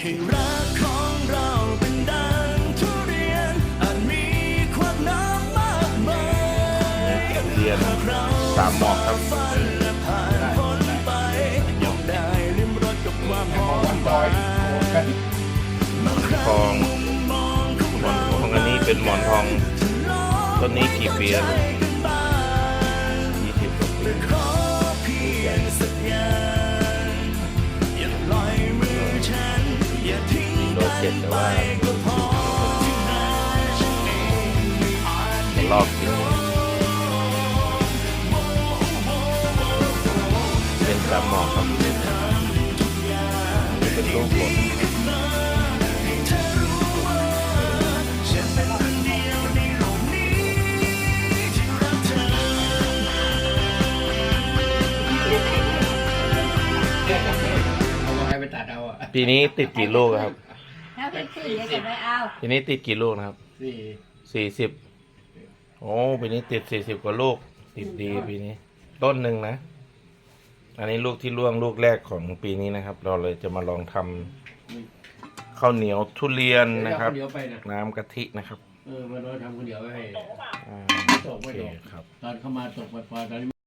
ให้รักของเราเป็นดังทุเรียนอาจมีความน้ำมากมายเรียนตามหมอกครับฝันและผ่านพ้นไปยอมได้ลิ้มรสกับความหอมหวานบางครั้งทองมุมมองของหมอนเราทองอันนี้เป็นหมอนทองต้นนี้กี่ปีแล้วใจกันบ้าง 20 กว่าปีขอเพียงสักอย่างอย่าปล่อยมือฉันอย่าทิ้งกันไปก็พอที่หน้าฉันเองไม่อาจได้รอบกินเป็นตามหมอกครับเป็นรูปผลให้เธอรู้ว่าฉันเป็นคนเดียวในโลกนี้ที่รักเธอเอาให้ไปตัดเอาอ่ะปีนี้ติดกี่ลูกครับถ้าพี่ขึ้นเดี๋ยวจะไม่เอาปีนี้ติดกี่ลูกนะครับ 40โอ้ปีนี้ติด40 กว่าลูกติดดีปีนี้ ต้นหนึ่งนะ อันนี้ลูกที่ร่วงลูกแรกของปีนี้นะครับ เราเลยจะมาลองทำข้าวเหนียวทุเรียนนะครับเดี๋ยวไปนะน้ำกะทินะครับมันเราทำคนเดียวไว้ให้อ่าตกโอไม่เคตกครับตอนเข้ามาตกไปพอตอนนี้